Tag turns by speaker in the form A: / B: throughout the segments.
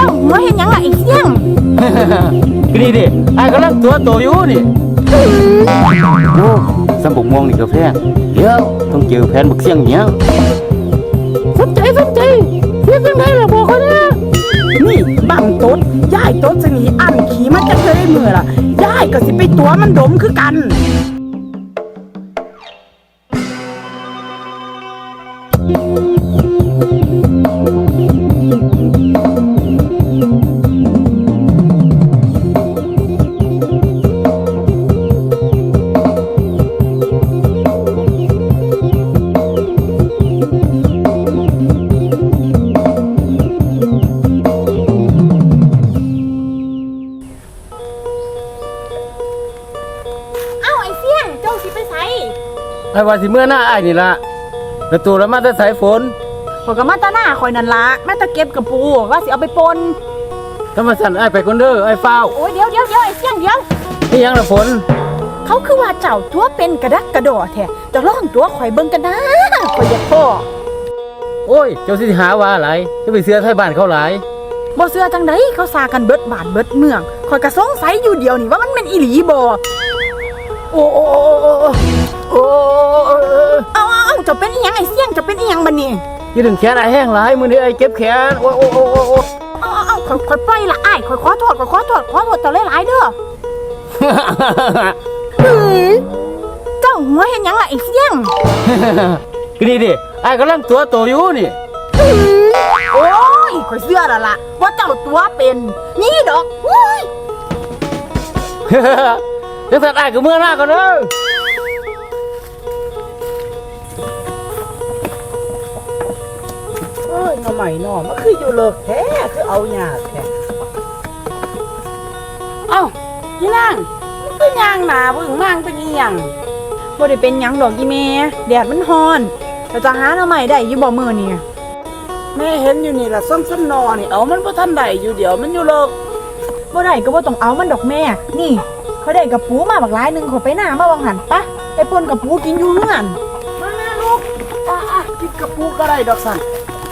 A: จ้าหัวเห็นยังล่ะไอ้เสี่ยง
B: ก็นี่ดิไอ้กำลังตัวโตอยู่นี่โอ้สมบุกม่วงนี่ก็แพงเดี๋ยวต้องเจอแผนบักเสี่ยงเนี้ย
A: สนใจเสียจังไดล่ะบอกเขาเด้อนี่บังตดยายตดสิหนีอันขี่มันจะเคยได้มือล่ะยายก็สิไปตัวมันดมคือกัน
B: ไอ้ว่าสิเมื่อหน้าไอ้นี่ละแล้วตัวแล้วมาแต่สายฝน
A: ขอยก็มาตาหน้าคอยนั่นละมาตาเก็บกระปูว่าสิเอาไปปน
B: ถ้ามาสั่นไอ้ไปคนเด้อไอ้เฝ้า
A: โอ้ยเดี๋ยวไอ้เสี่ยง
B: นี่ยังละฝน
A: เขาคือว่าเจ้าตัวเป็นกระดักกระดอแท้จะล่องตัวข่อยเบิ่งกันนะข่อยอยากพ่อ
B: โอ้ยเจ้าสิหาว่าอะไรจะไปเสือไทยบ้านเขาหลาย
A: บ่เสือจังไดเขาซากันเบิดบ้านเบิดเมืองข่อยก็สงสัยอยู่เดียวนี่ว่ามันเป็นอีหลีบ่โอ้เอาจะเป็นอีหยังไอ้เสี่ยงจะเป็นอีหยังบัดนี้
B: ยืดถึงแขนไอ้แห้งหลายมือนี้ไอ้เก็บแขนโอ้
A: เอาค่อยปล่อยละอ้ายค่อยขอโทษเจ้าหลายๆเด้อเจ้าหัวเห็นยังล่ะไอ้เสี่ยง
B: ก็นี่ดิไอ้กำลังตัวโตอยู่นี่
A: โอ้ยข่อยเชื่อแล้วล่ะว่าเจ้าตัวเป็นนี่ดอก
B: เดี๋ยวสัตว์ไอ้ก็เมื่อหน้าก่อนเด้อ
A: หน่อใหม่หน่อมันคืออยู่เลิกแท้คือเอาหยาดแท้เอ้าพี่นางมันเป็นยางหนาบึ้งมั่งเป็นอีหยังบ่ได้เป็นหยังดอกอีแม่แดดมันร้อนแต่จะหาหน่อใหม่ได้อยู่บ่มื้อนี่แม่เห็นอยู่นี่ล่ะซ้ำๆนอนี่เอามันบ่ทันได้อยู่เดี๋ยวมันอยู่เลิกบ่ได้ก็บ่ต้องเอามันดอกแม่นี่เขาได้กระปูมาบักหลายนึงขอไปหน้ามาวังหันปะไปป่นกระปูกินอยู่เฮือนมาลูกกินกระปูก็ได้ดอกสั่น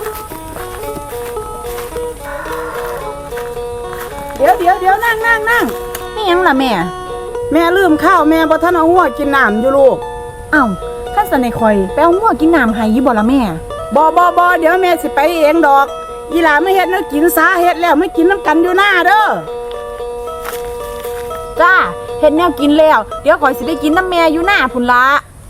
A: เดี๋ยวนั่งนี่ยังล่ะแม่ลืมข้าวแม่บ่ทันเอาหัวกินน้ำอยู่ลูกเอ้าท่านสนคอยไปเอาหัวกินน้ำให้อยู่บ่ล่ะแม่บ่เดี๋ยวแม่สิไปเองดอกอีหลาไม่เฮ็ดแล้วกินซาเฮ็ดแล้วไม่กินน้ำกันอยู่หน้าเด้อจ้าเฮ็ดแนวกินแล้วเดี๋ยวข่อยสิได้กินน้ำแม่อยู่หน้าพุ่นละ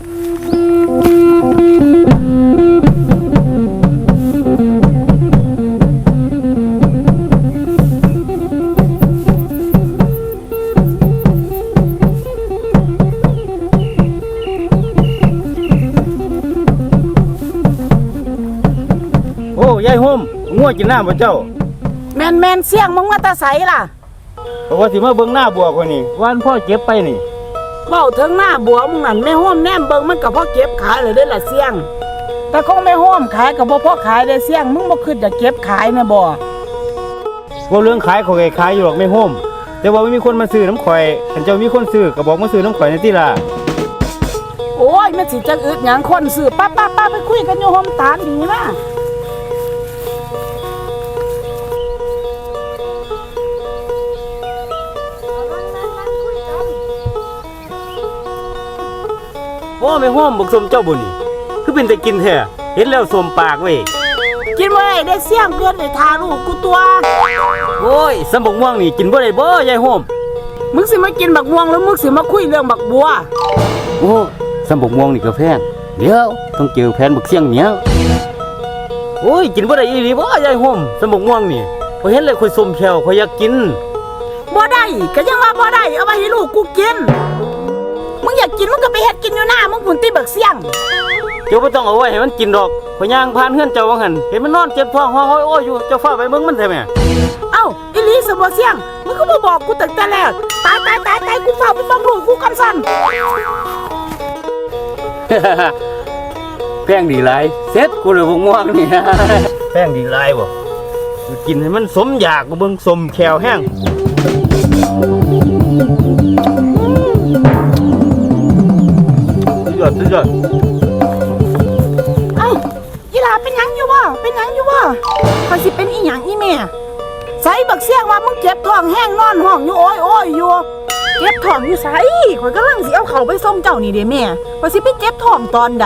B: ยายห่มง่วงกินน้ำบ่เจ้า
A: แมนเสี่ยงมึงมาตาใสล่ะ
B: เพราะว่าสิมาเบิ่งหน้าบัวคนนี้วันพ่อเก็บไปนี่
A: เบ้าถึงหน้าบัวมึงนั่นแม่ห่มแนมเบิ่งมันก็พอเก็บขายเลยได้ล่ะเสี่ยงแต่คงไม่ห่มขายก็บ่พอขายได้เสี่ยงมึงบ่คิดจะเก็บขายนะบ่
B: ว่าเรื่องขายเขาขายอยู่หรอกไม่ห่มแต่ว่าไม่มีคนมาซื้อน้ำข่อยคันเจ้ามีคนซื้อก็บอกมาซื้อน้ำข่อยในที่ล่ะ
A: โอ้ยมันสิจังอึดหยังคนซื้อป้าไปคุยกันอยู่ห่มตาลดีนะ
B: โอ้ไม่ห่มบักสมเจ้าบุญนี่คือเป็นแต่กินแท้เห็นแล้วสมปากเว้ย
A: กินบ่ได้เสี่ยงเกินได้ทาลูกกูตัว
B: โอ้ยสมบักม่วงนี่กินบ่ได้บ่ยายห่ม
A: มึงสิมากินบักม่วงหรือมึงสิมาคุยเรื่องบักบัว
B: โอ้สมบักม่วงนี่ก็แพงเดี๋ยวต้องเจอแผนบักเสี่ยงเนี้ยโอ้ยกินบ่ได้อีหลีบ่ยายห่มสมบักม่วงนี่พอเห็นเลยค่อยสมแขวค่อยอยากกิน
A: บ่ได้ก็ยังว่าบ่ได้เอาไว้ให้ลูกกูกินมึงอยากกินมึงก็ไปเฮ็ดกินอยู่หน้ามึงพุ่นตีบักเสี่ยง
B: เจ้าบ่ต้องเอาไว้ให้มันกินดอกข่อยย่างผ่านเฮือนเจ้าว่าหั่นเห็นมันนอนเจ็บท้องห้องโอ้ยอยู่เจ้าฟ้าไปเบิ่งมันแท้แม่
A: เอ้าอีหลีสิบ่เสี่ยงมึงก็บ่บอกกูตั้งแต่แรกตายกูฟ้าไปเบิ่งลูกกูกันสั่น
B: แพงดีหลายเซ็ตกูเลยบ่ม่วงนี่แพงดีหลายบ่กินให้มันสมอยากบ่เบิ่งสมแขวแห้งสุดยอด
A: เอ้าอีหลาเป็นหยังอยู่บ่ข่อยสิเป็นอีหยังอีแม่ใส่บักเสียงว่ามึงเจ็บท้องแห้งนอนห้องอยู่โอ้ยโอ้ยอยู่เจ็บท้องอยู่ไสข่อยกำลังสิเอาเขาไปส่งเจ้านี่เด้แม่ว่าสิไปเจ็บท้องตอนใด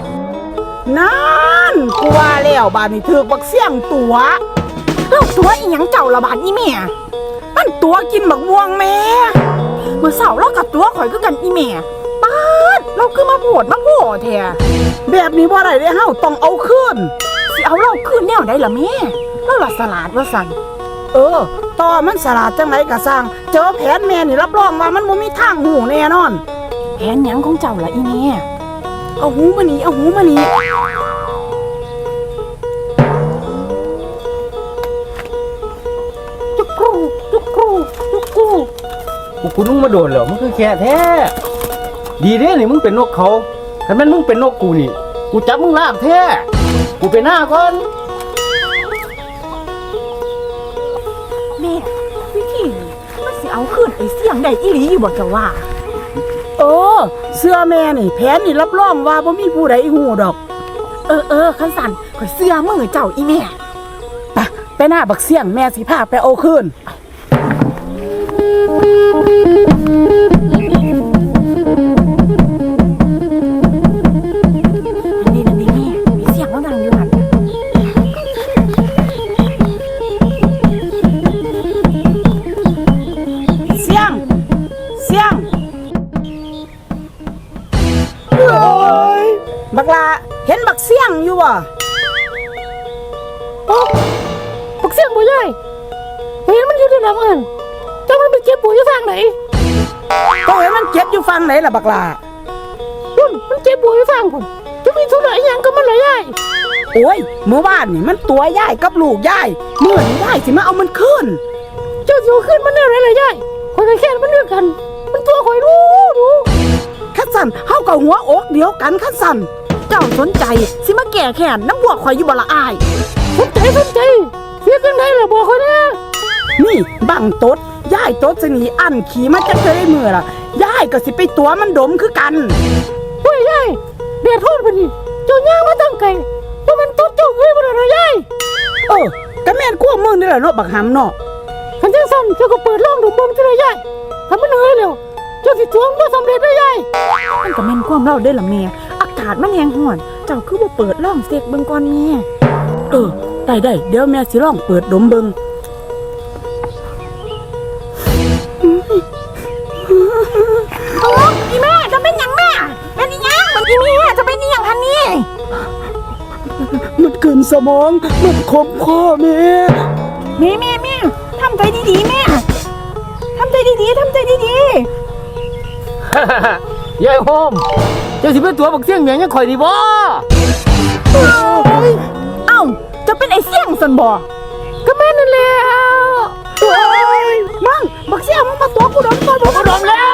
A: นั่นกูว่าแล้วบาดนี้ถูกบักเสียงตัวแล้วตัวอีหยังเจ้าละบาดนี้แม่มันตัวกินบักม่วงแม่เมื่อเสาร์เรากับตัวข่อยคือกันอีแม่ป๊าดเราคือมาโผดมาโผแท้แบบนี้บ่ได้เด้เฮาต้องเอาคืนสิเอาเราคืนแนวใดล่ะแม่เราละสลาดว่าสั่นต่อมันสลาดจังไรก็สร้างเจอแผนแม่นี่รับรองว่ามันบ่มีทางหูแน่นอนแผนหยังของเจ้าล่ะอีแม่เอาหูมานี่เอาหูมานี่จุกกรูจุกกรูจุกกรู
B: กูนุ่งมาโดนเหรอมึงคือแค่แท้ดีเด้นี่มึงเป็นนกเขาถ้าแม่นมึงเป็นนกกูนี่กูจับมึงลากแท้กูไปหน้าก่อน
A: แม่วิธีนี้มันสิเอาคืนไอ้เสียงได้อีหลีอยู่บ่เจ้าว่าเสื้อแม่นี่แผนนี่รับรองว่าบ่มีผู้ใดฮู้ดอกคันสั่นข่อยเสื้อมือเจ้าอีแม่ไปหน้าบักเสียงแม่สิพาไปเอาคืนนี่แม่มีเสียงแล้วดังอยู่หั่นเสียงบักลาเห็นบักเสียงอยู่บ่
C: บักเสียงบ่ใหญ่เห็นมันอยู่ที่หลังเอิ้นจังมันไปเจ็บปวดอยู่ทางไหน
A: ก็เห็นมันเจ็บอยู่ฟังไหนล่ะบักลา
C: มันเจ็บปวดอยู่ทางพุ่นจะมีธุระอีหยังกับมันล่ะยาย
A: โอ้ยเมื่อวานนี่มันตัวย่ายกับลูกย่ายเมื่อนี้ย่ายสิมาเอามันคืน
C: เจ้าสิเอาขึ้นมันได้ไรล่ะยายข่อยก็แค่มันเลือกกัน มันตัวข่อยรู้
A: คัดสันเฮากับหัวอกเดียวกันคัดสันเจ้าสนใจสิมาแก่แค้นน้ำบวกข่อยอยู่บ่ละอาย
C: สนใจเสียจังไดล่ะบอกข่อยแน่
A: นี่บังตดย่ายตดสิหนีอันขี่มาจะเคยมือล่ะย่ายก็สิไปตัวมันดมคือกัน
C: โอ้ยยายเดือดร้อนปานนี้เจ้าย่างมาตั้งไกลว่ามันตดเจ้าเอ้ยบ่ได้ล่ะยาย
A: ก็แม่นกลัวมึงนี่แหละเนาะบักหำเนาะ
C: คันจังซั่นเจ้าก็เปิดร่องดูบ่มซิล่ะยายถ้ามันเอ้ยแล้วเจ้าสิทวงบ่สำเร็จได้ยาย
A: มันก็แม่นความเล่าได้ล่ะแม่อากาศมันแห้งร้อนเจ้าคือบ่เปิดร่องเสกเบิ่งก่อนแม่ได้เดี๋ยวแม่สิลองเปิดดมเบิ่งอีแม่จะเป็นหยังแม่เป็นอีหยังมันอีแม่จะเป็นอีหยังทันนี่มันเกินสมองมันคมคอแม่ทำใจดีๆแม่ทำใจดีๆ
B: ยายโฮมเจ้าสิเป็นตัวบักเสียงแม่ยังข่อยดีบ่
A: จะเป็นไอ้เสี่ยงสันบ่
C: ก็แม่นั่นแหละ
A: มั่งบักเสี่ยงมึงมาตัวกูโดนแล้ว